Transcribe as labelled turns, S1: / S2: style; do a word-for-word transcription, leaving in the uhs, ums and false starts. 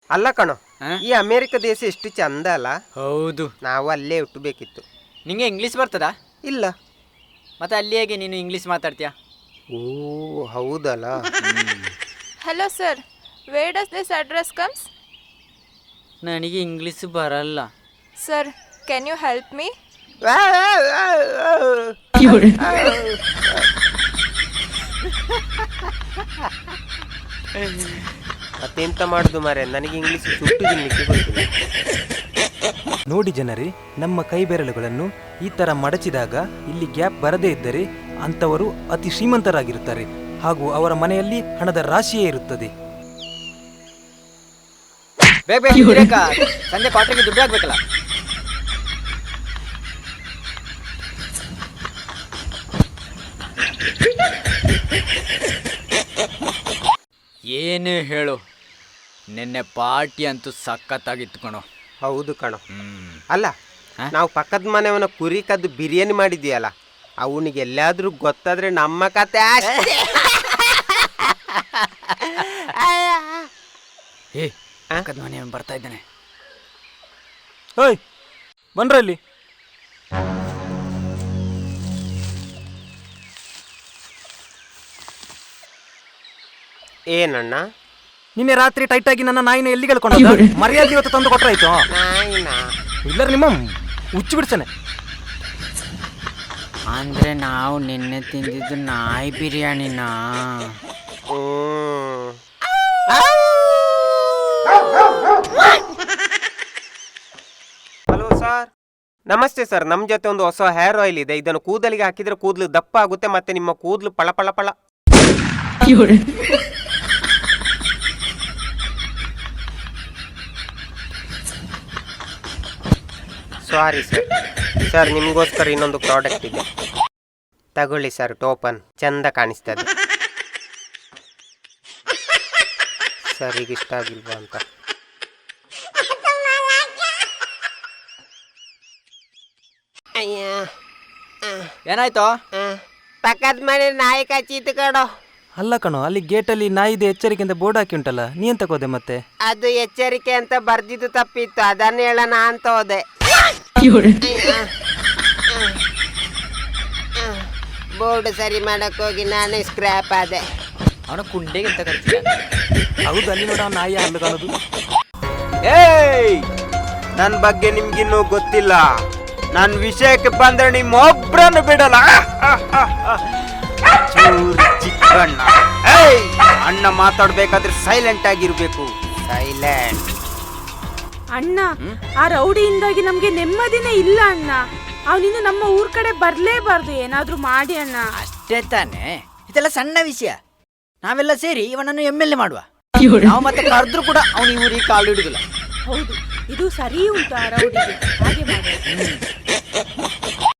S1: ಅಲ್ಲ ಕಣೋ, ಈ ಅಮೇರಿಕ ದೇಶ ಎಷ್ಟು ಚಂದ ಅಲ್ಲ.
S2: ಹೌದು,
S1: ನಾವು ಅಲ್ಲೇ ಹುಟ್ಟಬೇಕಿತ್ತು.
S2: ನಿಂಗೆ ಇಂಗ್ಲೀಷ್ ಬರ್ತದಾ?
S1: ಇಲ್ಲ.
S2: ಮತ್ತೆ ಅಲ್ಲಿ ಹೇಗೆ ನೀನು ಇಂಗ್ಲೀಷ್ ಮಾತಾಡ್ತೀಯಾ?
S1: ಓ ಹೌದಲ್ಲ.
S3: Hello sir, where does this address comes?
S2: ನನಗೆ ಇಂಗ್ಲೀಷ್ ಬರಲ್ಲ.
S3: Sir, can you help me?
S1: ಮತ್ತೆಂತ ಮಾಡುದು ಮಾರೆ, ನನಗೆ ಇಂಗ್ಲೀಷ್ ಸುಟ್ಟು ತಿನ್ಲಿಕ್ಕೆ ಗೊತ್ತಿಲ್ಲ.
S4: ನೋಡಿ ಜನರೇ, ನಮ್ಮ ಕೈ ಬೆರಳುಗಳನ್ನು ಈ ತರ ಮಡಚಿದಾಗ ಇಲ್ಲಿ ಗ್ಯಾಪ್ ಬರದೇ ಇದ್ದರೆ ಅಂಥವರು ಅತಿ ಶ್ರೀಮಂತರಾಗಿರುತ್ತಾರೆ ಹಾಗೂ ಅವರ ಮನೆಯಲ್ಲಿ ಹಣದ ರಾಶಿಯೇ ಇರುತ್ತದೆ.
S2: ಬೇಗ ಬೇಗ ಗಿರಾಕ, ಸಂಜೆ ಕ್ವಾರ್ಟರ್ಗೆ ದುಡ್ಡು ಆಗ್ಬೇಕಲ್ಲ. ಏನು ಹೇಳು, ನಿನ್ನೆ ಪಾರ್ಟಿ ಅಂತೂ ಸಖತ್ತಾಗಿತ್ತು ಕಣೋ.
S1: ಹೌದು ಕಣೋ. ಅಲ್ಲ, ನಾವು ಪಕ್ಕದ ಮನೆಯವನ ಕುರಿ ಕದ್ದು ಬಿರಿಯಾನಿ ಮಾಡಿದ್ಯಲ್ಲ, ಅವನಿಗೆ ಎಲ್ಲಾದ್ರೂ ಗೊತ್ತಾದ್ರೆ ನಮ್ಮ ಕತೆ ಅಷ್ಟೇ.
S2: ಏ, ಪಕ್ಕದ ಮನೆಯವನು ಬರ್ತಾ ಇದ್ದಾನೆ.
S4: ಓಯ್ ಬನ್ರಲ್ಲಿ.
S1: ಏನಣ್ಣ?
S4: ನಿನ್ನೆ ರಾತ್ರಿ ಟೈಟ್ ಆಗಿ ನನ್ನ ನಾಯಿನ ಎಲ್ಲಿ ಕಳ್ಕೊಂಡು ಮರ್ಯಾದೆ ಇವತ್ತು ತಂದು ಕೊಟ್ರಾಯ್ತು.
S1: ನಾಯಿನ
S4: ಇಲ್ಲ ನಿಮ್ಮ ಹುಚ್ಚು ಬಿಡ್ತಾನೆ.
S2: ಅಂದ್ರೆ ನಾವು ನಿನ್ನೆ ತಿಂದಿದ್ದು ನಾಯಿ ಬಿರಿಯಾನಿನಾ?
S1: ಹಲೋ ಸರ್, ನಮಸ್ತೆ ಸರ್. ನಮ್ಮ ಜೊತೆ ಒಂದು ಹೊಸ ಹೇರ್ ಆಯಿಲ್ ಇದೆ. ಇದನ್ನು ಕೂದಲಿಗೆ ಹಾಕಿದ್ರೆ ಕೂದಲು ದಪ್ಪ ಆಗುತ್ತೆ, ಮತ್ತೆ ನಿಮ್ಮ ಕೂದಲು ಪಳ ಪಳ ಪಳ. Sorry sir. ಸರ್, ನಿಮಗೋಸ್ಕರ ಇನ್ನೊಂದು ಪ್ರಾಡಕ್ಟ್ ಇದೆ, ತಗೊಳ್ಳಿ ಸರ್. ಟೋಪನ್ ಚಂದ ಕಾಣಿಸ್ತದೆ ಸರ್. ಈಗ ಇಷ್ಟ ಆಗಿಲ್ವಾ ಅಂತ?
S2: ಏನಾಯ್ತು?
S1: ಪಕ್ಕದ ಮನೆ ನಾಯಿ ಕಚ್ಚಿತ್ತು ಕಣೋ.
S4: ಅಲ್ಲ ಕಣೋ, ಅಲ್ಲಿ ಗೇಟಲ್ಲಿ ನಾಯಿದೆ ಎಚ್ಚರಿಕೆಯಿಂದ ಬೋರ್ಡ್ ಹಾಕಿ ಉಂಟಲ್ಲ, ನೀ ಎಂತ ಹೋದೆ ಮತ್ತೆ?
S1: ಅದು ಎಚ್ಚರಿಕೆ ಅಂತ ಬರ್ದಿದ್ದು ತಪ್ಪಿತ್ತು, ಅದನ್ನ ಹೇಳೋಣ ಅಂತ ಹೋದೆ. ಬೋರ್ಡ್ ಸರಿ ಮಾಡಕ್ ಹೋಗಿ ನಾನೇ ಸ್ಕ್ರಾಪ್ ಆದೆ.
S2: ಅವನ ಕುಂಡೆಗೆ ಎಂತ ಕರ್ತೀಯ?
S4: ಹೌದು, ಅಲ್ಲಿ ನೋಡ ನಾಯಿ ಹಲ್ಲು ಕಾಣೋದು.
S5: ಏಯ್, ನನ್ನ ಬಗ್ಗೆ ನಿಮ್ಗಿನ್ನೂ ಗೊತ್ತಿಲ್ಲ. ನನ್ನ ವಿಷಯಕ್ಕೆ ಬಂದ್ರೆ ನಿಮ್ಮೊಬ್ರನ್ನು ಬಿಡಲ್ಲ. ಚೂರಿ ಚಿಕ್ಕಣ್ಣ. ಏಯ್, ಅಣ್ಣ ಮಾತಾಡ್ಬೇಕಾದ್ರೆ ಸೈಲೆಂಟ್ ಆಗಿರ್ಬೇಕು. ಸೈಲೆಂಟ್.
S6: ಅಣ್ಣ, ಆ ರೌಡಿಯಿಂದಾಗಿ ನಮ್ಗೆ ನೆಮ್ಮದಿನೇ ಇಲ್ಲ ಅಣ್ಣ. ಅವನಿನ್ನು ನಮ್ಮ ಊರ್ ಕಡೆ ಬರ್ಲೇಬಾರ್ದು, ಏನಾದ್ರೂ ಮಾಡಿ ಅಣ್ಣ.
S2: ಅಷ್ಟೇ ತಾನೇ, ಇದೆಲ್ಲ ಸಣ್ಣ ವಿಷಯ. ನಾವೆಲ್ಲ ಸೇರಿ ಇವನನ್ನು ಎಮ್ ಎಲ್ ಎ ಮಾಡುವ. ನಾವು ಮತ್ತೆ ಕರೆದ್ರು ಕೂಡ ಅವನು ಈ ಊರಿಗೆ ಕಾಲು ಹಿಡಿದಿಲ್ಲ.
S6: ಹೌದು, ಇದು ಸರಿ ಉಂಟು ಆ ರೌಡಿಗೆ, ಹಾಗೆ ಮಾಡಿ.